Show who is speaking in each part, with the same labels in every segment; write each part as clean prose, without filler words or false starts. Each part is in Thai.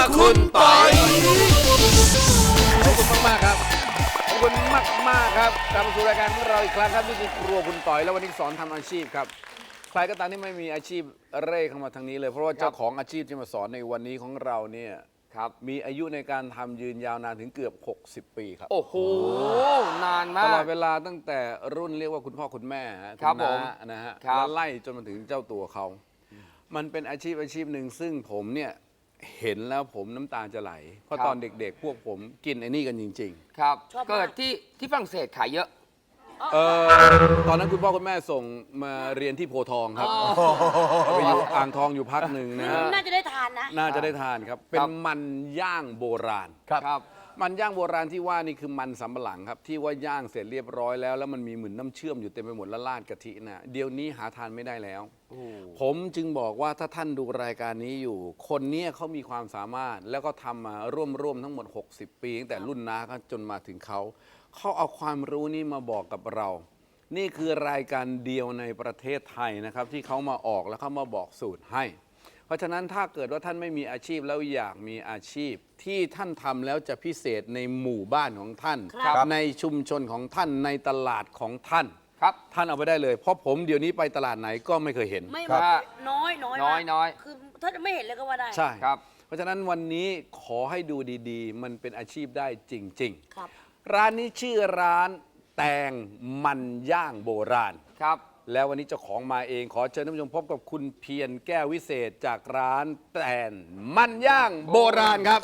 Speaker 1: คุณปอย
Speaker 2: ขอบคุณมากๆครับขอบคุณมากๆครับกลับมาสู่รายการของเราอีกครั้งครับนี่คือครัวคุณต่อยแล้ววันนี้สอนทำอาชีพครับใครก็ตามที่ไม่มีอาชีพเร่เข้ามาทางนี้เลยเพราะว่าเจ้าของอาชีพที่มาสอนในวันนี้ของเราเนี่ยครับมีอายุในการทำยืนยาวนานถึงเกือบ60 ปีครับ
Speaker 1: โอ้โหนานมา
Speaker 2: ตลอด
Speaker 1: ก
Speaker 2: เวลาตั้งแต่รุ่นเรียกว่าคุณพ่อคุณแม่ฮะ
Speaker 1: ครับ
Speaker 2: ณน้า
Speaker 1: ผม
Speaker 2: นะฮะ
Speaker 1: ครับ
Speaker 2: แล้วไล่จนมาถึงเจ้าตัวเขา มันเป็นอาชีพหนึ่งซึ่งผมเนี่ยเห็นแล้วผมน้ำตาจะไหล เพราะตอนเด็กๆ พวกผมกินไอ้นี่กันจริง
Speaker 1: ครับ
Speaker 3: ชอบมาก
Speaker 1: เกิดที่ฝรั่งเศสขายเยอะ
Speaker 2: ๆตอนนั้นคุณพ่อคุณแม่ส่งมาเรียนที่โพธิ์ทองครับไปอยู่อ่างทองอยู่พักหนึ่งนะฮะ
Speaker 3: น่าจะได้ทานนะ
Speaker 2: น่าจะได้ทานครับ เป็นมันย่างโบราณ
Speaker 1: ครับ
Speaker 2: มันย่างโบราณที่ว่านี่คือมันสำปะหลังครับ ที่ว่าย่างเสร็จเรียบร้อยแล้วมันมีเหมือนน้ำเชื่อมอยู่เต็มไปหมดและราดกะทินะเดี๋ยวนี้หาทานไม่ได้แล้ว ผมจึงบอกว่าถ้าท่านดูรายการนี้อยู่ คนเนี้ยเขามีความสามารถแล้วก็ทำมาร่วมทั้งหมด 60 ปีตั้งแต่รุ่นน้าเขาจนมาถึงเขาเอาความรู้นี้มาบอกกับเรา นี่คือรายการเดียวในประเทศไทยนะครับที่เขามาออกแล้วเขามาบอกสูตรให้ เพราะฉะนั้นถ้าเกิดว่าท่านไม่มีอาชีพแล้วอยากมีอาชีพที่ท่านทำแล้วจะพิเศษในหมู่บ้านของท่าน
Speaker 3: ครับ
Speaker 2: ในชุมชนของท่านในตลาดของท่าน
Speaker 1: ครับ
Speaker 2: ท่านเอาไปได้เลยเพราะผมเดี๋ยวนี้ไปตลาดไหนก็ไม่เคยเห็น
Speaker 3: ไม่
Speaker 1: ครับ
Speaker 3: น้อยน้อย
Speaker 1: น้อย
Speaker 3: มาก
Speaker 1: น้อย
Speaker 3: คือถ้าจะไม่เห็นเลยก็ว่าได้
Speaker 2: ใช่
Speaker 1: ครับ
Speaker 2: เพราะฉะนั้นวันนี้ขอให้ดูดีๆ มันเป็นอาชีพได้จริง
Speaker 3: ครับ
Speaker 2: ๆ ร้านนี้ชื่อร้านแตงมันย่างโบราณ
Speaker 1: ครับ
Speaker 2: แล้ววันนี้เจ้าของมาเองขอเชิญท่านผู้ชมพบกับคุณเพียรแก้ววิเศษจากร้านแตนมันย่างโบราณครับ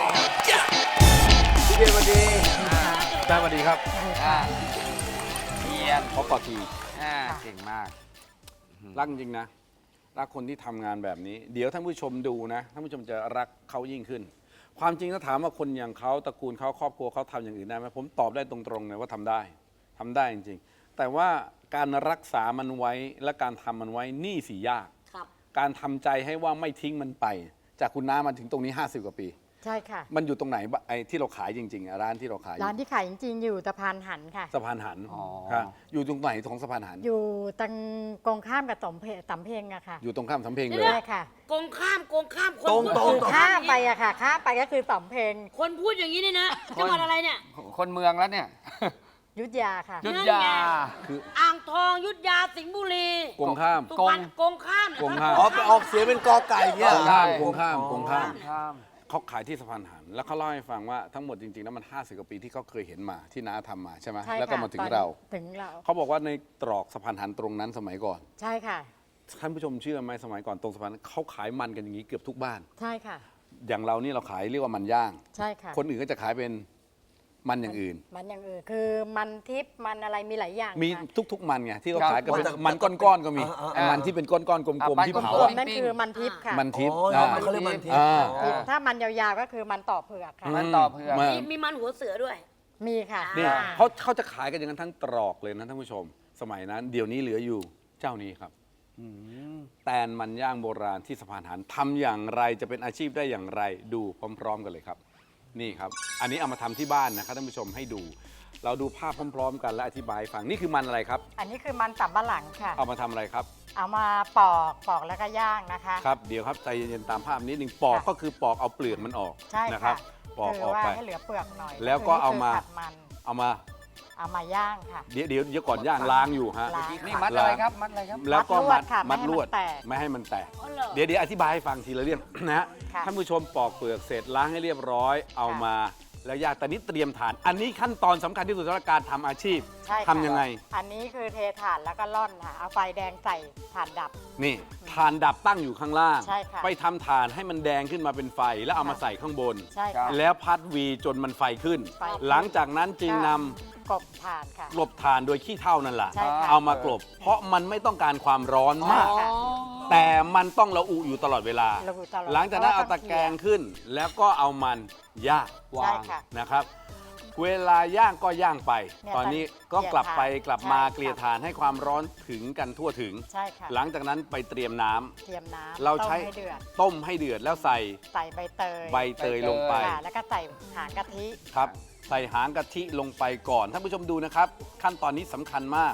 Speaker 2: พี่เพียรสวัสดีอาจารย์สวัสดีครับ
Speaker 1: เทียน
Speaker 2: ขอกอดที
Speaker 1: เก่งมาก
Speaker 2: รักจริงนะรักคนที่ทำงานแบบนี้ เดี๋ยวท่านผู้ชมดูนะท่านผู้ชมจะรักเขายิ่งขึ้น ความจริงถ้าถามว่าคนอย่างเขาตระกูลเขาครอบครัวเขาทำอย่างอื่นได้ไหมผมตอบได้ตรงๆเลยว่าทำได้จริงๆ แต่ว่าการรักษามันไว้และการทำมันไว้นี่สิยาก
Speaker 3: ครับ
Speaker 2: การทำใจให้ว่าไม่ทิ้งมันไป จากคุณน้ามาถึงตรงนี้ 50 กว่าปี
Speaker 4: ใช่ค่ะ
Speaker 2: มันอยู่ตรงไหนบ้างไอ้ที่เราขายจริงๆอะร้านที่เราขายอยู่
Speaker 4: ร้านที่ขายจริงๆ อยู่สะพานหันค่ะ
Speaker 2: สะพานหัน
Speaker 1: อ๋อ
Speaker 2: ครับอยู่ตรงไหนของสะพานหัน
Speaker 4: อยู่ตรงกองข้ามกับสำเพ็งอะค่ะ
Speaker 2: อยู่ตรงข้ามสำเพ็งเลย
Speaker 4: ใช่ค่ะ
Speaker 3: โกงข้ามคน
Speaker 4: คือข้ามไปอะค่ะ ข้ามไปก็คือสำเพ็ง
Speaker 3: คนพูดอย่างนี้เนี่ยนะจังหวัดอะไรเนี่ย
Speaker 1: คนเมืองแล้วเนี่ย
Speaker 4: ยุทธยาค่ะ
Speaker 1: ยุทธ
Speaker 3: นั่น
Speaker 1: ยา
Speaker 3: ไง
Speaker 2: คือ
Speaker 3: อ่างทองยุทธยาสิงห์บุรี
Speaker 2: กงข้าม
Speaker 3: สุพรรณโกงข้าม
Speaker 2: โกงข้าม
Speaker 5: อ๋อไปออกเสียงเป็นกอไก่เนี่ย
Speaker 2: กงข้ามกงข้ามกงข้าม
Speaker 1: ข้าม
Speaker 2: เขาขายที่สะพานหัน แล้วเขาเล่าให้ฟังว่าทั้งหมดจริงๆแล้วมัน 50 กว่าปีที่เขาเคยเห็นมาที่น้าทำมาใช่ไหม
Speaker 4: ใช่ค่ะ
Speaker 2: แล้วก็มาถึง
Speaker 4: ตอน
Speaker 2: เรา
Speaker 4: ถึงเรา
Speaker 2: เขาบอกว่าในตรอกสะพานหันตรงนั้นสมัยก่อน
Speaker 4: ใช่ค่ะ
Speaker 2: ท่านผู้ชมเชื่อไหมสมัยก่อนตรงสะพานเขาขายมันกันอย่างนี้เกือบทุกบ้าน
Speaker 4: ใช่ค่ะ
Speaker 2: อย่างเรานี่เราขายเรียกว่ามันย่าง
Speaker 4: ใช่ค่ะ
Speaker 2: คนอื่นก็จะขายเป็นมันอย่างอื่น
Speaker 4: มันอย่างอื่นคือมันทิพย์มันอะไรมีหลายอย่าง
Speaker 2: มี
Speaker 4: ค่ะ
Speaker 2: ทุกๆมันไงที่เขา
Speaker 1: ครับ
Speaker 2: ขายกันเป็น
Speaker 5: มันจะ
Speaker 2: มันก้อนๆก็มี
Speaker 1: อ่า
Speaker 2: มันที่เป็นก้อนๆกลม
Speaker 1: มัน
Speaker 2: ๆที่
Speaker 1: ก้อนๆ
Speaker 2: เผา
Speaker 4: ส่ว
Speaker 2: อะ
Speaker 4: นนั่นคือมันทิพย์ค่ะ
Speaker 2: มันทิพย์
Speaker 5: อ๋อ
Speaker 2: อ่า
Speaker 5: เขาเรียกมันทิพย์
Speaker 2: อ่า
Speaker 4: ถ้ามันยาวๆก็คือมันต่อเผือกค่ะ
Speaker 1: มันต่อเพื่อน
Speaker 2: มา
Speaker 3: มีมันหัวเสือด้วย
Speaker 4: มีค่ะ
Speaker 2: นี่
Speaker 3: อ่า
Speaker 2: เขาจะขายกันอย่างนั้นทั้งตรอกเลยนะท่านผู้ชม สมัยนั้น เดี๋ยวนี้เหลืออยู่เจ้านี้ครับแตนมันย่างโบราณที่สะพานหันทำอย่างไรจะเป็นอาชีพได้อย่างไรดูพร้อม ๆ กันเลยครับ นี่ครับ อันนี้เอามาทำที่บ้านนะครับท่านผู้ชมให้ดู เราดูภาพพร้อม ๆ กันและอธิบายให้ฟังนี่คือมันอะไรครับ
Speaker 4: อันนี้คือมันสำปะหลังค่ะ
Speaker 2: เอามาทำอะไรครับ
Speaker 4: เอามาปอกแล้วก็ย่างนะคะ
Speaker 2: ครับเดี๋ยวครับใจเย็นๆตามภาพนิดนึงปอก
Speaker 4: ค่ะ
Speaker 2: ก็คือปอกเอาเปลือกมันออก
Speaker 4: ใช่
Speaker 2: นะครั
Speaker 4: ค่ะ
Speaker 2: บปอก
Speaker 4: คือ
Speaker 2: ออก
Speaker 4: ว่า
Speaker 2: ไป
Speaker 4: ให้เหลือเปลือกหน่อย
Speaker 2: แล้วก็เอามา
Speaker 4: คืผัดมัน
Speaker 2: เอามา
Speaker 4: เอามาย่างค่ะ
Speaker 2: เดี๋ยวก่อนย่างล้างอยู่ฮะ
Speaker 4: ล้าง
Speaker 1: นี่มัดอะไรครับ มัดอะไรครับ
Speaker 2: แล้วก็
Speaker 4: มัดลวดค่ะ
Speaker 2: มัดลวด
Speaker 4: ไม่ให้มันแตก
Speaker 2: ไม่ให้มันแตก
Speaker 3: อ๋อเหรอ
Speaker 2: เดี๋ยวอธิบายให้ฟังทีละเรื่อง นะฮะ
Speaker 4: ค่ะ
Speaker 2: ท่านผู้ชมปอกเปลือกเสร็จล้างให้เรียบร้อย เอามาแล้วย่างแต่นี้เตรียมฐาน อันนี้ขั้นตอนสำคัญที่สุดสำหรับการทำอาชีพ
Speaker 4: ใช่ค่ะ
Speaker 2: ทำยังไง
Speaker 4: อันนี้คือเทถ่านแล้วก็ร่อนค่ะ เอาไฟแดงใส่ถ่านดับ
Speaker 2: นี่ฐานดับตั้งอยู่ข้างล่าง
Speaker 4: ใช่ค่ะ
Speaker 2: ไปทำฐานให้มันแดงขึ้นมาเป็นไฟแล้วเอามาใส่ข้างบน
Speaker 4: ใช่ค่ะ
Speaker 2: แล้วพัดวีจนมันไฟขึ้น
Speaker 4: ไฟขึ้น
Speaker 2: หลังจากนั้นจึงนำ
Speaker 4: กบถ่านค่ะ
Speaker 2: กลบฐานโดยขี้เถ้านั่นแหละ
Speaker 4: ใช่ค่ะ
Speaker 2: เอามากลบ เพราะมันไม่ต้องการความร้อนมาก
Speaker 4: ค่ะ
Speaker 2: แต่มันต้องระอุอยู่ตลอดเวลา
Speaker 4: ระอุตลอด
Speaker 2: หลังจากนั้นเอาตะแกรงขึ้น แล้วก็เอามันย่าง
Speaker 4: ใช่ค่ะ
Speaker 2: นะครับ เวลาย่างก็ย่างไป
Speaker 4: เนี่ย
Speaker 2: ตอนนี้ก็กลับไปกลับมาเกลี่ยฐานให้ความร้อนถึงกันทั่วถึง
Speaker 4: ใช่ค่ะ
Speaker 2: หลังจากนั้นไปเตรียมน้ำ
Speaker 4: เตรียมน้ำ
Speaker 2: เราใช้
Speaker 4: ต้มให้เดือด
Speaker 2: ต้มให้เดือดแล้วใส่
Speaker 4: ใส่ใบเตย
Speaker 2: ใบเตยลงไป
Speaker 4: ค่ะแล้วก็ใส่หางกะทิ
Speaker 2: ครับ ใส่หางกะทิลงไปก่อนท่านผู้ชมดูนะครับ ขั้นตอนนี้สำคัญมาก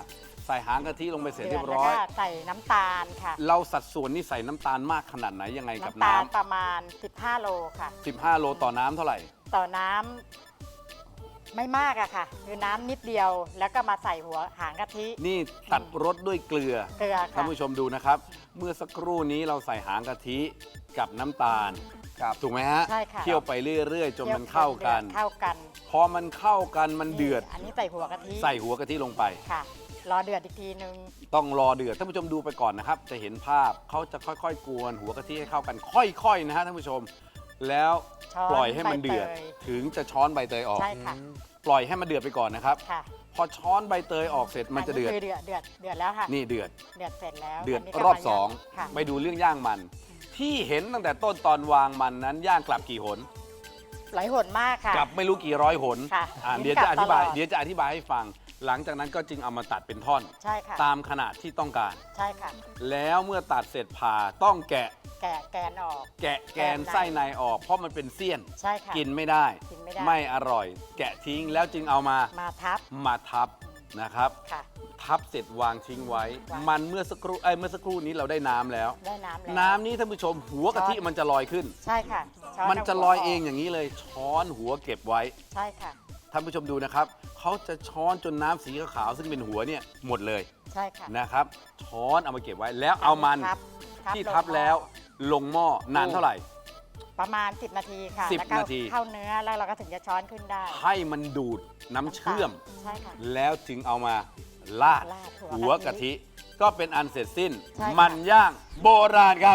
Speaker 2: ใส่หางกะทิลงไปเสร็จ
Speaker 4: เดื
Speaker 2: เรี
Speaker 4: อย ด
Speaker 2: บ
Speaker 4: แล้ว
Speaker 2: ร้อย
Speaker 4: ก็ใส่น้ำตาลค่ะ
Speaker 2: เราสัดส่วนนี่ใส่น้ำตาลมากขนาดไหนยังไงกับ
Speaker 4: น้ำตาล
Speaker 2: น้ำ
Speaker 4: ประมาณ 15 โลค่ะ
Speaker 2: 15 โลต่อน้ำเท่าไหร่
Speaker 4: ต่อน้ำไม่มากอะค่ะ คือน้ำนิดเดียวแล้วก็มาใส่หัวหางกะทิ
Speaker 2: นี่ตัดรสด้วยเกลือ
Speaker 4: เกลือ
Speaker 2: ท่าน
Speaker 4: ค่ะ
Speaker 2: ผู้ชมดูนะครับ เมื่อสักครู่นี้เราใส่หางกะทิกับน้ำตาล
Speaker 1: ครับ
Speaker 2: ถูกไหมฮะ
Speaker 4: ใช่ค่ะ
Speaker 2: เคี่ยวไปเรื่อยๆจนมันเข้ากัน
Speaker 4: เข้ากัน
Speaker 2: พอมันเข้ากันมันเดือด
Speaker 4: อันนี้ใส่หัวกะทิ
Speaker 2: ใส่หัวกะทิลงไป
Speaker 4: ค่ะ รอเดือดอีกทีนึง
Speaker 2: ต้องรอเดือดท่านผู้ชมดูไปก่อนนะครับ จะเห็นภาพเขาจะค่อยๆกวนหัวกะทิให้เข้ากัน ค่อยๆนะฮะท่านผู้ชม แล้ว
Speaker 4: ช้อน
Speaker 2: ปล่อยให้มันเดือด
Speaker 4: ใบเตย
Speaker 2: ถึงจะช้อนใบเตยออก
Speaker 4: ใช่ค่ะ
Speaker 2: ปล่อยให้มันเดือดไปก่อนนะครับ
Speaker 4: ค่ะ
Speaker 2: พอช้อนใบเตยออกเสร็จมันจะเดือด
Speaker 4: คือเดือดแล้วค่ะ
Speaker 2: นี่เดือด
Speaker 4: เดือดเสร็จแล้ว
Speaker 2: เดือด
Speaker 4: นนี้ก็
Speaker 2: รอบ
Speaker 4: มา
Speaker 2: สอง
Speaker 4: ค่ะ
Speaker 2: ไปดูเรื่องย่างมัน ที่เห็นตั้งแต่ต้นตอนวางมันนั้นย่างกลับกี่หน
Speaker 4: หลายหนมากค่ะ
Speaker 2: กลับไม่รู้กี่ร้อยหน
Speaker 4: ค่ะ
Speaker 2: เดี๋ยวจะอธิบาย
Speaker 4: กลับตลอด
Speaker 2: เดี๋ยวจะอธิบายให้ฟัง หลังจากนั้นก็จึงเอามาตัดเป็นท่อน
Speaker 4: ใช่ค่ะ
Speaker 2: ตามขนาดที่ต้องการ
Speaker 4: ใช่ค่ะ
Speaker 2: แล้วเมื่อตัดเสร็จผ่าต้องแกะ
Speaker 4: แกนออก
Speaker 2: แกะแกนไส้ในออก เพราะมันเป็นเสี้ยน
Speaker 4: ใช่ค่ะ
Speaker 2: กินไม่ได้
Speaker 4: กินไม่ได้
Speaker 2: ไม่อร่อย แกะทิ้งแล้วจึงเอามา
Speaker 4: มาทับ
Speaker 2: มาทับนะครับ
Speaker 4: ค่ะ
Speaker 2: ทับเสร็จวางทิ้งไว้
Speaker 4: วาง
Speaker 2: มันเมื่อสักครู่เมื่อสักครู่นี้เราได้น้ำแล้ว
Speaker 4: ได้น้ำแล้ว
Speaker 2: น้ำนี้ท่านผู้ชมหัวกะทิมันจะลอยขึ้น
Speaker 4: ใช่ค่ะช้
Speaker 2: มันจะลอยเอง
Speaker 4: าหัว
Speaker 2: อย่างนี้เลยช้อนหัวเก็บไว้
Speaker 4: ใช่ค่ะ
Speaker 2: ท่านผู้ชมดูนะครับเขาจะช้อนจนน้ำสีขาวๆซึ่งเป็นหัวเนี่ยหมดเลย
Speaker 4: ใช่ค่ะ
Speaker 2: นะครับ ช้อนเอามาเก็บไว้แล้วเอามัน
Speaker 4: ทับ
Speaker 2: ที่
Speaker 4: ลง
Speaker 2: ทับแล้วลงหม้อนานเท่าไหร่
Speaker 4: ประมาณ 10 นาทีค่ะ
Speaker 2: 10
Speaker 4: แล้วก็
Speaker 2: นาที
Speaker 4: เข้าเนื้อแล้วเราก็ถึงจะช้อนขึ้นได้
Speaker 2: ให้มันดูดน้ำเชื่อม
Speaker 4: ใช่ค่ะ
Speaker 2: แล้วถึงเอามาลาด
Speaker 4: ลาดหั
Speaker 2: หัว
Speaker 4: ว
Speaker 2: กะ
Speaker 4: กะทิ
Speaker 2: ทิ ก็เป็นอันเสร็จสิ้น
Speaker 4: ใช่ค่ะ
Speaker 2: มันย่างโบราณครับ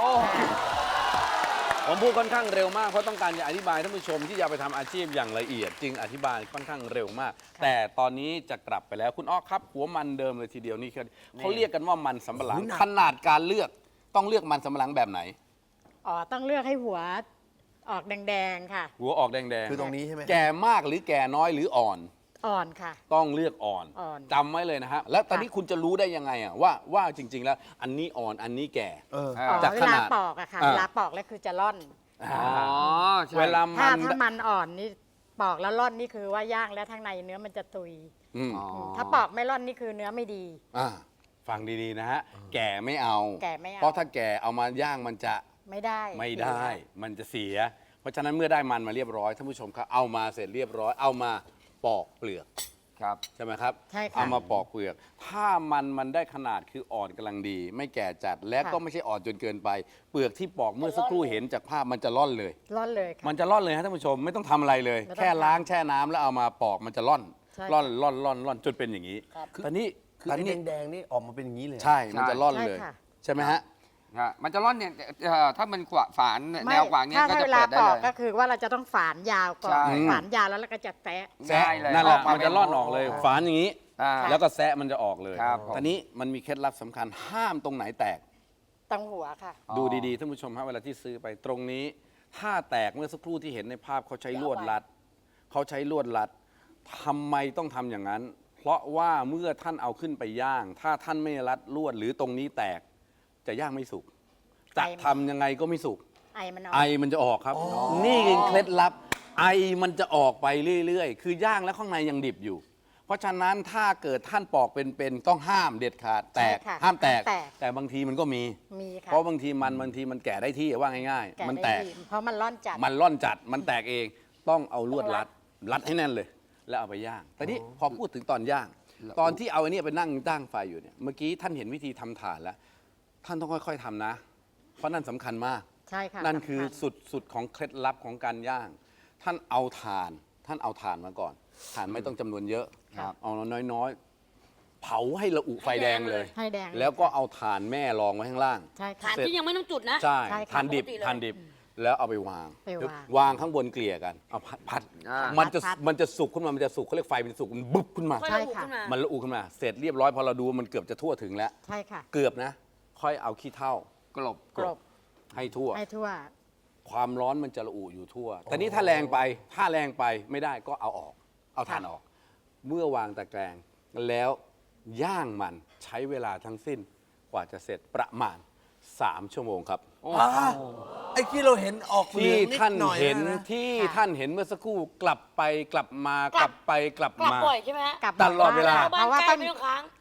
Speaker 2: ผมพูดค่อนข้างเร็วมากเพราะต้องการจะอธิบายท่านผู้ชมที่จะไปทำอาชีพอย่างละเอียด จึงอธิบายค่อนข้างเร็วมาก แต่ตอนนี้จะกลับไปแล้วคุณอ้อครับ หัวมันเดิมเลยทีเดียวนี่เขาเรียกกันว่ามันสำปะหลัง ขนาดการเลือกต้องเลือกมันสำปะหลังแบบไหน
Speaker 4: อ๋อต้องเลือกให้หัวออกแดงๆค่ะ
Speaker 2: หัวออกแดง
Speaker 5: คือตรงนี้ใช่ไหม
Speaker 2: ๆแก่มากหรือแก่น้อยหรืออ่อน
Speaker 4: อ่อนค่ะ
Speaker 2: ต้องเลือกอ่อน
Speaker 4: อ่อน
Speaker 2: จำไว้เลยนะฮะแล้วตอนนี้คุณจะรู้ได้ยังไงอะว่าจริง ๆ แล้ว อันนี้อ่อนอันนี้แก่
Speaker 5: เออ
Speaker 1: อ่า
Speaker 4: อ๋อ
Speaker 2: จาก
Speaker 4: เว
Speaker 2: ข
Speaker 4: ลา
Speaker 2: นาด
Speaker 4: ปอกอะค่ะ
Speaker 2: อ่า
Speaker 4: เวลาปอกแล้วคือจะร่อน
Speaker 1: อ๋อใช่
Speaker 2: เวลา
Speaker 4: ถ้า
Speaker 2: มัน
Speaker 4: มันอ่อนนี่ปอกแล้วร่อนนี่คือว่าย่างแล้วข้างในเนื้อมันจะตุย
Speaker 2: อืม
Speaker 1: อ๋อ
Speaker 4: ถ้าปอกไม่ร่อนนี่คือเนื้อไม่ดี
Speaker 2: อ่าฟังดีๆนะฮะ แก่ไม่เอา
Speaker 4: แก่ไม่เอา
Speaker 2: เพราะถ้าแก่เอามาย่างมันจะ
Speaker 4: ไม่ได้
Speaker 2: ไม่ได้ มันจะเสีย เพราะฉะนั้นเมื่อได้มันมาเรียบร้อยท่านผู้ชมครับเอามาเสร็จเรียบร้อยเอามาปอกเปลือก
Speaker 1: ครับ
Speaker 2: ใช่ไหมครับ
Speaker 4: ใช่ค่ะ
Speaker 2: เอามาปอกเปลือก ถ้ามันได้ขนาดคืออ่อนกำลังดี ไม่แก่จัดและ
Speaker 4: ค่ะ
Speaker 2: ก็ไม่ใช่อ่อนจนเกินไป เปลือกที่ปอกเมื่อสักครู่เห็นจากภาพมันจะร่อนเลย
Speaker 4: ร่อนเลยค่ะ
Speaker 2: มันจะร่อนเลยฮะท่านผู้ชมไม่ต้องทำอะไรเลย
Speaker 4: ไม่ต้อง
Speaker 2: แค่ล้าง
Speaker 4: ทำ
Speaker 2: แช่น้ำแล้วเอามาปอกมันจะร่อน
Speaker 4: ใช่
Speaker 2: ร่อนจนเป็นอย่างนี้
Speaker 4: ครับ
Speaker 2: ตอนนี้
Speaker 5: คือ
Speaker 2: ตอน
Speaker 5: ไอ้
Speaker 2: นี้
Speaker 5: แดงๆนี่ออกมาเป็นอย่างนี้เลย
Speaker 2: ใช่มันจะร่อนเลย
Speaker 4: ใช่ค่ะ
Speaker 2: ใช่ไหมฮะ
Speaker 1: มันจะร่อนเนี่ยถ้ามันขวาฝาน
Speaker 4: ไม่
Speaker 1: แนวขวางเนี่ย
Speaker 4: ถ้า
Speaker 1: ก็จะ
Speaker 4: เวลา
Speaker 1: เปิดได้
Speaker 4: ปอ
Speaker 1: เล
Speaker 4: ก
Speaker 1: ย
Speaker 4: ก็คือว่าเราจะต้องฝานยาวก่อน
Speaker 1: ใช่
Speaker 4: ฝานยาวแล้วเราก็จะแตะ
Speaker 2: แซะ
Speaker 1: ง่ายเลย
Speaker 2: นั่นแหละ
Speaker 1: ออกมา
Speaker 2: มันจะร่อนออกเลย
Speaker 1: เป็น
Speaker 2: ฝานอย่างนี้
Speaker 1: อ่า
Speaker 2: แล้วก็แซะมันจะออกเลย
Speaker 1: ครับผม
Speaker 2: ตอนนี้มันมีเคล็ดลับสำคัญห้ามตรงไหนแตก
Speaker 4: ตรงหัวค่ะ
Speaker 1: อ๋อ
Speaker 2: ดูดีๆท่านผู้ชมฮะเวลาที่ซื้อไปตรงนี้ ถ้าแตกเมื่อสักครู่ที่เห็นในภาพเขาใช้ลวดรัดเขาใช้ลวดรัดทำไมต้องทำอย่างนั้น เพราะว่าเมื่อท่านเอาขึ้นไปย่าง ถ้าท่านไม่รัดลวดหรือตรงนี้แตกจะย่างไม่สุกจะ
Speaker 4: ไอมัน
Speaker 2: ทำยังไงก็ไม่สุก
Speaker 4: ไอมันออก
Speaker 2: ไอมันจะออกครับ นี่คือเคล็ดลับ ไอมันจะออกไปเรื่อยๆ คือย่างแล้วข้างในยังดิบอยู่ เพราะฉะนั้นถ้าเกิดท่านปอกเป็นๆต้องห้ามเด็ดขาดแตก
Speaker 4: ใช่ค่ะ
Speaker 2: ห้ามแตก
Speaker 4: ห้ามแตก
Speaker 2: แต่บางทีมันก็มี
Speaker 4: มีค่ะ
Speaker 2: เพราะบางทีมันแก่ได้ที่ว่าง่ายๆ มันแต
Speaker 4: ได้
Speaker 2: ก
Speaker 4: ดีเพราะมันร่อนจัด
Speaker 2: มันร่อนจัด มันแตกเอง ต้องเอาลวดรัดให้แน่นเลย แล้วเอาไปย่าง แต่นี่พอพูดถึงตอนย่าง ตอนที่เอาอันนี้ไปนั่งตั้งไฟอยู่เนี่ย เมื่อกี้ท่านเห็นวิธีทำถ่านแล้ว ท่านต้องค่อยๆทำนะ เพราะนั่นสำคัญมาก
Speaker 4: ใช่ค่ะ
Speaker 2: นั่นคือ
Speaker 4: สำญ
Speaker 2: สุดของเคล็ดลับของการย่าง ท่านเอาถ่านมาก่อน ถ่านไม่ต้องจำนวนเยอะ
Speaker 1: ครับ
Speaker 2: เอาน้อยๆ เผาให้ระอุไฟแดงเลย
Speaker 4: ให้แดง
Speaker 2: แล้วก็เอาถ่านแม่รองไว้ข้างล่าง
Speaker 4: ใช่ค่ะ
Speaker 3: ฐานที่ยังไม่ต้องจุดนะ
Speaker 2: ใช่
Speaker 4: ใช่ค่ะ
Speaker 2: ถ่านดิบ
Speaker 3: ปกติเลย
Speaker 2: ถ่านดิบ แล้วเอาไปวาง
Speaker 4: ไปวาง
Speaker 2: วางข้างบนเกลี่ยกัน เอาพัด
Speaker 1: อ่า
Speaker 2: มันจะสุกขึ้นมา มันจะสุกเขาเรียกไฟเป็นสุก มันบึ๊บขึ้นมา
Speaker 3: ค่อย
Speaker 4: ใช่
Speaker 3: ระอุ
Speaker 4: ค่ะ
Speaker 3: ขึ้นมา
Speaker 2: มันระอุขึ้นมา เสร็จเรียบร้อยพอเราดูมันเกือบจะทั่วถึงแล้ว
Speaker 4: ใช่ค่ะ
Speaker 2: เกือบนะ ค่อยเอาขี้เถ้าก
Speaker 1: ลบ
Speaker 4: กลบ
Speaker 2: ให้ทั่ว
Speaker 4: ให้ทั่ว
Speaker 2: ความร้อนมันจะระอุอยู่ทั่ว แต่นี่ถ้าแรงไปไม่ได้ก็เอาออก เอาถ่านออก เมื่อวางตะแกรงแล้วย่างมันใช้เวลาทั้งสิ้นกว่าจะเสร็จประมาณ 3 ชั่วโมงครับ
Speaker 5: ไอ้ที่เราเห็นออกเหลื
Speaker 2: ที่
Speaker 5: องนิด
Speaker 2: ท่าน
Speaker 5: หน่อย
Speaker 2: เห็น
Speaker 5: นะ
Speaker 2: ที่
Speaker 4: ค่ะ
Speaker 2: ท่านเห็นเมื่อสักครู่กลับไปกลับมากลับไปกลับ
Speaker 3: กลับ
Speaker 2: มา
Speaker 3: บ่อยใช่ไหมฮะ
Speaker 4: กลับ
Speaker 2: ตลอดเวลา
Speaker 3: บ้าน
Speaker 4: เพราะว่า
Speaker 3: ใกล้
Speaker 4: ต้อง
Speaker 3: ไม่ต้องค้าง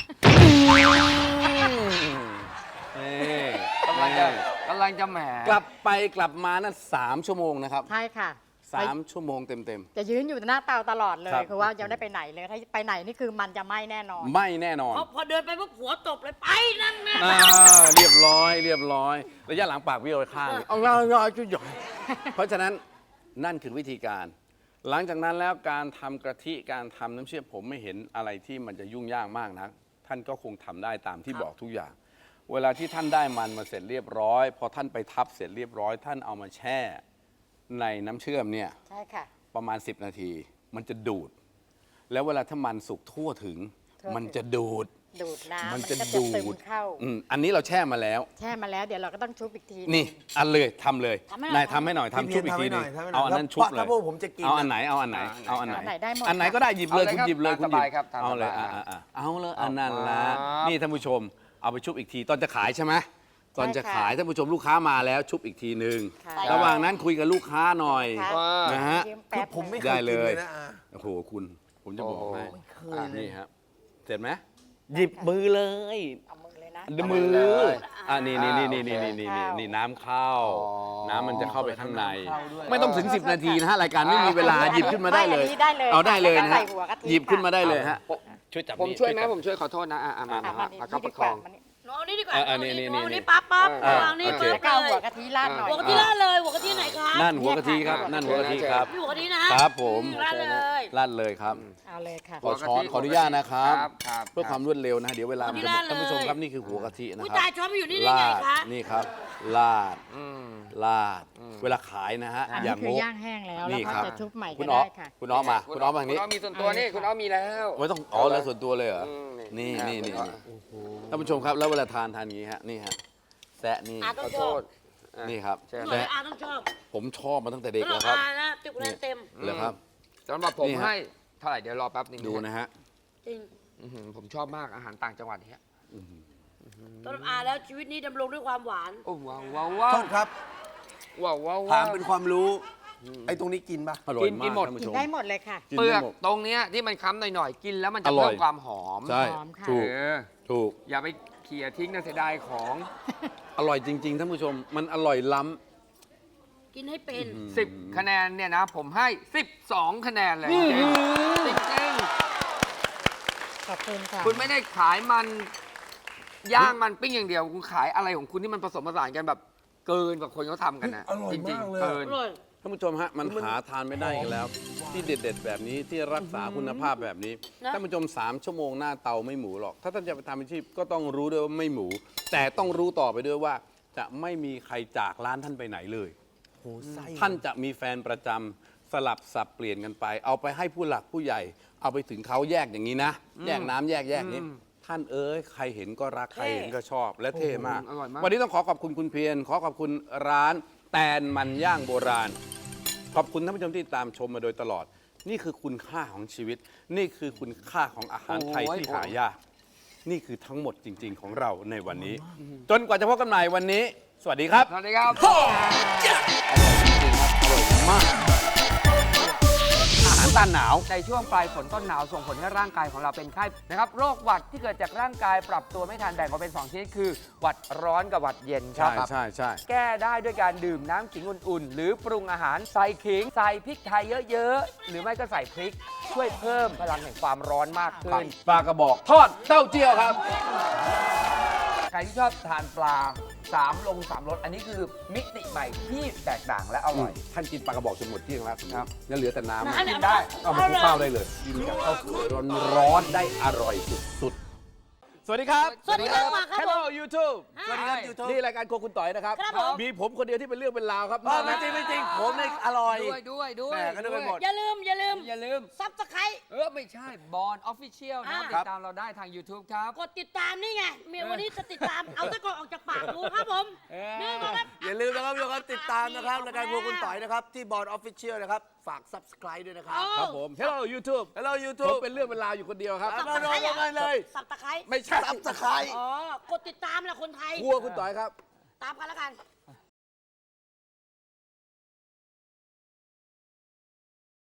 Speaker 2: นี่
Speaker 1: กำลังจะแหม
Speaker 2: กลับไปกลับมานั่น3 ชั่วโมงนะครับ
Speaker 4: ใช่ค่ะ
Speaker 2: 3 ชั่วโมงเต็ม
Speaker 4: จะยืนอยู่หน้าเตาตลอดเลย
Speaker 2: ครับ
Speaker 4: คือว่ายังไม่ได้ไปไหนเลย ถ้าไปไหนนี่คือมันจะไหม้แน่นอน
Speaker 2: ๆ ไม่แน่นอน
Speaker 3: พอเดินไปปุ๊บหัวตบเลยไปนั่นนะ
Speaker 2: เรียบร้อยระยะหลังปากเบี้ยวไปข้างเอาง่ายๆจุ๊ยเพราะฉะนั้นนั่นคือวิธีการ หลังจากนั้นแล้วการทำกะทิการทำน้ำเชื่อมผมไม่เห็นอะไรที่มันจะยุ่งยากมากนะท่านก็คงทำได้ตามที่บอกทุกอย่าง เวลาที่ท่านได้มันมาเสร็จเรียบร้อยพอท่านไปทับเสร็จเรียบร้อย ท่านเอามาแช่ในน้ำเชื่อมเนี่ย
Speaker 4: ใช่ค่ะ
Speaker 2: ประมาณ10 นาที มันจะดูด แล้วเวลาถ้ามันสุกทั่วถึง มันจะดูด
Speaker 4: ดูดน้ำ
Speaker 2: มัน
Speaker 4: มัน
Speaker 2: จะ
Speaker 4: ก็จะ
Speaker 2: ดู
Speaker 4: ซึม
Speaker 2: ด
Speaker 4: เข้า
Speaker 2: อันนี้เราแช่มาแล้ว
Speaker 4: แช่มาแล้วเดี๋ยวเราก็ต้องชุบอีกที
Speaker 2: นี่อันเลยทำเลย
Speaker 3: ทำให้หน่อย
Speaker 2: นายทำให้หน่อยทำชุบอีกทีหนึงเอาอันนั้นชุบเลย
Speaker 5: ถ้าพวกผมจะกิน
Speaker 2: เอาอันไหนเอาอันไหนเอาอันไหน
Speaker 4: อันไหนได้หมด
Speaker 2: อันไหนก็ได้หยิบเลย
Speaker 1: เอาเลย
Speaker 2: คุณ
Speaker 1: ครับ
Speaker 2: หยิบเลย
Speaker 1: ตาม
Speaker 2: คุณหยิ
Speaker 1: สบายครับตาม
Speaker 2: เอาเลย
Speaker 1: สบาย
Speaker 2: เอาเลยอันนั้นละ
Speaker 1: ครับ
Speaker 2: นี่ท่านผู้ชมเอาไปชุบอีกทีตอนจะขายใช่ไหมตอนจะขายท่านผู้ชมลูกค้ามาแล้วชุบอีกทีหนึ่ง
Speaker 4: ค่ะ
Speaker 2: ระหว่างนั้นคุยกับลูกค้าหน่อย
Speaker 4: ค่ะ
Speaker 2: นะฮะ
Speaker 4: ยืม
Speaker 5: คื
Speaker 4: แป๊
Speaker 5: อบ ผมไม่เค
Speaker 2: ได้
Speaker 5: ย
Speaker 2: เล
Speaker 5: กินเลย ยนะอา
Speaker 2: โอ้โหคุณผมจะบอกให้
Speaker 5: ไม่เคยเลย
Speaker 2: นี่ครับเสร็จไหมหยิบมือเลย
Speaker 4: เอามือเลยนะ
Speaker 2: มือ
Speaker 1: เลย
Speaker 2: นี่นี่น้ำเข้า
Speaker 1: อ๋อ
Speaker 2: น้ำมันจะเข้าไปข้างใน
Speaker 5: เข้าด้วย
Speaker 2: ไม่ต้องถึง 10 นาทีนะฮะรายการไม่มีเวลาหยิบขึ้นมาได้เลย
Speaker 4: ไม่อันนี้ได้เลย
Speaker 2: เอาได้เลยนะ
Speaker 4: ใส่
Speaker 2: ฮะ
Speaker 4: หัวกะทิ
Speaker 2: หยิบขึ้นมา
Speaker 4: ค่ะ
Speaker 2: ได้เลยฮะช่วยจับ
Speaker 1: ผมช่วยไหมผมช่วยขอโทษนะมา
Speaker 4: อ่ะ
Speaker 1: มา
Speaker 4: มานี่
Speaker 1: เอา
Speaker 4: นี่
Speaker 1: ป
Speaker 4: ดี
Speaker 1: ระ
Speaker 4: ก
Speaker 1: ค
Speaker 4: ว่า
Speaker 1: อง
Speaker 4: มานี่
Speaker 3: น้องนี่ดีกว่า
Speaker 2: นี่
Speaker 3: น้องนี่ปั๊บวางนี่
Speaker 2: โอเค
Speaker 3: ปึ๊บ
Speaker 4: แล้วก็เอา
Speaker 3: เล
Speaker 4: หัวย กะทิราดหน่อย
Speaker 3: หัวกะทิราดเลยหัวกะทิไหนคะ
Speaker 2: นั่นหัวกะทิครับนั่นหัวกะทิครับ
Speaker 3: หัวกะทินะครับ
Speaker 2: ผม
Speaker 3: ราดเลย
Speaker 2: ลั่นเลยครับ
Speaker 4: เอาเลยค่ะ
Speaker 2: ขอช้อนขออนุญาตนะครับ
Speaker 1: ครับ
Speaker 2: เพื่อความรวดเร็วนะเดี๋ยวเวลามันจะหมด
Speaker 3: หัวกะทิ
Speaker 2: ท่านผู้ชม
Speaker 3: เลย
Speaker 2: ครับนี่คือหัวกะทินะ
Speaker 3: อุ้ย
Speaker 2: ครั
Speaker 3: ตาย
Speaker 2: บ
Speaker 3: ช้อนมาอยู่นี่ได้ไง
Speaker 2: ลาด
Speaker 3: คะ
Speaker 2: นี่ครับลาด
Speaker 1: อืม
Speaker 2: ลาด เวลาขายนะฮะ
Speaker 4: อัน
Speaker 2: อ
Speaker 4: นี้
Speaker 2: ย่าง
Speaker 4: คือ
Speaker 2: โง่
Speaker 4: ย่างแห้งแล้ว
Speaker 2: นี่
Speaker 4: แล้ว
Speaker 2: ครั
Speaker 4: ก็
Speaker 2: บ
Speaker 4: จะชุบใหม่
Speaker 2: คุ
Speaker 4: ก็
Speaker 2: ณอ๊อ
Speaker 4: ได้
Speaker 2: ฟ
Speaker 4: ค่ะ
Speaker 2: คุณอ๊อฟมาคุณอ๊อฟทางนี้
Speaker 1: คุณอ๊อฟมีส่วนตัวนี่คุณอ๊อฟมีแล้ว
Speaker 2: ไม่ต้องอ๋อแล้วส่วนตัวเลยเหรอ
Speaker 1: อืม
Speaker 2: นี่
Speaker 1: นี่
Speaker 2: ท่านผู้ชมครับแล้วเวลาทานอย่างนี้ฮะนี่ฮะแซะนี่
Speaker 3: อา
Speaker 1: ข
Speaker 3: ต้อ
Speaker 1: อง
Speaker 3: ช
Speaker 1: โท
Speaker 3: อบ
Speaker 1: ษอ่ะ
Speaker 2: นี่ครับ
Speaker 1: เชิญ
Speaker 3: หน่อย
Speaker 2: แซะ
Speaker 3: อาต้องชอบ
Speaker 2: ผมชอบมาตั้งแต่เด็ก
Speaker 3: สำห
Speaker 2: แล้
Speaker 3: รับ
Speaker 2: วครับ
Speaker 3: อานะติดคะแนนเต็ม
Speaker 2: เหรอครับ
Speaker 1: สำหรับผม
Speaker 2: นี่ฮะ
Speaker 1: ให้เท่าไหร่เดี๋ยวรอแป๊บนึง
Speaker 2: ดูนะฮะ
Speaker 3: จริง
Speaker 1: อื้อหือผมชอบมากอาหารต่างจังหวัดเนี่ย
Speaker 3: สำหรับอาแล้วชีวิตนี้ดำรงด้วยความหวาน
Speaker 1: โอ้ว้าวว้าวว้า
Speaker 5: โท
Speaker 1: ว
Speaker 5: ษครับ
Speaker 1: ว้าวว้าว
Speaker 5: ถามเป็นความรู้ ไอ้ตรงนี้กินปะ
Speaker 2: อร่อย
Speaker 1: กิ
Speaker 2: มาก
Speaker 1: นหมด
Speaker 2: ท่านผู้
Speaker 4: กิ
Speaker 2: ช
Speaker 4: น
Speaker 2: ม
Speaker 4: ได้หมดเลยค่ะ
Speaker 2: กิน
Speaker 1: เปลื
Speaker 2: ได้
Speaker 1: อก
Speaker 2: หมด
Speaker 1: ตรงเนี้ยที่มันค้ำหน่อยๆกินแล้วมันจะ
Speaker 2: อร่
Speaker 1: เพิ่
Speaker 2: อย
Speaker 1: มความหอม
Speaker 2: ใช่
Speaker 4: หอมค่ะ
Speaker 2: ถูก
Speaker 1: เออ
Speaker 2: ถูก
Speaker 1: อย่าไปเขี่ยทิ้งนะเสียดายของ
Speaker 2: อร่อยจริง ๆ ท่านผู้ชม มันอร่อยล้
Speaker 3: กินให้เป็น
Speaker 1: 10 คะแนนเนี่ยนะ ผมให้ 12 คะแนนเลยจริงๆจริง
Speaker 4: ขอบคุณค่ะ
Speaker 1: ๆคุณไม่ได้ขายมันย่างมันปิ้งอย่างเดียว คุณขายอะไรของคุณที่มันผสมผสานกันแบบเกินกว่าคนเขาทำกันนะ
Speaker 5: อร่อย
Speaker 1: จริง
Speaker 5: มากเลย
Speaker 1: ๆเกิน
Speaker 3: อร่อย
Speaker 2: ำท่านผู้ชมฮะ มันหาทานไม่ได้อีกแล้ว ที่เด็ด ๆ แบบนี้ที่รักษาคุณภาพแบบนี้
Speaker 3: นะ
Speaker 2: ท่านผู้ชม 3 ชั่วโมงหน้าเตาไม่หมูหรอก ถ้าท่านจะไปทำอาชีพก็ต้องรู้ด้วยว่าไม่หมู แต่ต้องรู้ต่อไปด้วยว่า จะไม่มีใครจากร้านท่านไปไหนเลย
Speaker 5: โหไส้
Speaker 2: ท่านจะมีแฟนประจำสลับสับเปลี่ยนกันไป เอาไปให้ผู้หลักผู้ใหญ่ เอาไปถึงเขาแยกอย่างนี้นะ แยกน้ำแยกนี้ ท่านเอ้ยใครเห็นก็รักใครเห็นก็ชอบ และเท่มาก
Speaker 1: อร่อยมาก
Speaker 2: วันนี้ต้องขอขอบคุณคุณเพียรขอขอบคุณร้านแตนมันย่างโบราณ ขอบคุณท่านผู้ชมที่ตามชมมาโดยตลอด นี่คือคุณค่าของชีวิต นี่คือคุณค่าของอาหารไทยที่หายาก นี่คือทั้งหมดจริง ๆ ของเราในวันนี้ จนกว่าจะพบกันใหม่วันนี้ สวัสดีครับ
Speaker 1: สวัสดีครับ
Speaker 2: อร่อยมาก อาหารต้านหนาว
Speaker 1: ในช่วงปลายฝนต้นหนาวส่งผลให้ร่างกายของเราเป็นไข้นะครับโรคหวัดที่เกิดจากร่างกายปรับตัวไม่ทันแบ่งออกเป็น2ชนิดคือหวัดร้อนกับหวัดเย็นครับ
Speaker 2: ใช่
Speaker 1: แก้ได้ด้วยการดื่มน้ำขิงอุ่นๆ หรือปรุงอาหารใส่ขิง ใส่พริกไทยเยอะๆ หรือไม่ก็ใส่พริก ช่วยเพิ่มพลังแห่งความร้อนมากขึ้น
Speaker 2: ปลากระบอกทอดเต้าเจี้ยวครับ
Speaker 1: ใครที่ชอบทานปลา3 ลง 3รสอันนี้คือมิติใหม่ที่แตกต่างและอร่อย
Speaker 2: ท่านกินปลากระบอกจนหมดเที่ยงแล้ว
Speaker 1: ครับ
Speaker 2: ยังเหลือแต่น้ำ
Speaker 3: น้ำ
Speaker 1: กินได้
Speaker 2: เอามาคลุกข้าวได้เลยกินกับข้าวสวยร้อนๆได้อร่อยสุดๆ สวัสดีครับ
Speaker 3: สวัสดีครับมาครับ
Speaker 2: Hello YouTube
Speaker 3: สวัสดีครับ
Speaker 5: YouTube
Speaker 2: นี่รายการโครัวคุณต่อยนะครับ
Speaker 3: ครับผม
Speaker 2: มีผมคนเดียวที่เป็นเรื่องเป็นราวครับ
Speaker 5: ไม่จริงไม่จริงผมเนี่ยอร่อย
Speaker 1: ด้วย
Speaker 5: แหม่ก็นึกไปหมด
Speaker 3: อย่าลืม
Speaker 1: อย่าลืม
Speaker 3: ซับสไครต์
Speaker 1: ไม่ใช่บอลออฟฟิเชียลนะ
Speaker 3: อ่า
Speaker 1: ติดตามเราได้ทาง YouTube ครับ
Speaker 3: กดติดตามนี่ไงเมียวันนี้จะติดตาม เอาตะกอนออกจากปากดูครับผม นี่ก็ครับ
Speaker 5: อย่าลืมนะครับทุกคนติดตามนะครับรายการครัวคุณต่อยนะครับ ที่บอร์ดออฟฟิเชียลนะครับ ฝาก subscribe ด้วยนะครับ
Speaker 2: ครับผม Hello YouTube
Speaker 5: Hello
Speaker 2: ผม
Speaker 5: YouTube
Speaker 2: เป็นเรื่องเป็นราวอยู่คนเดียวครับ
Speaker 5: มาลงกันเลย
Speaker 3: สับตะไคร้
Speaker 2: ไม่ใช่
Speaker 5: subscribe
Speaker 3: อ๋อ กดติดตามแหละคนไทย
Speaker 2: ครัวคุณต่อยครับ
Speaker 3: ตามกันแล้วกัน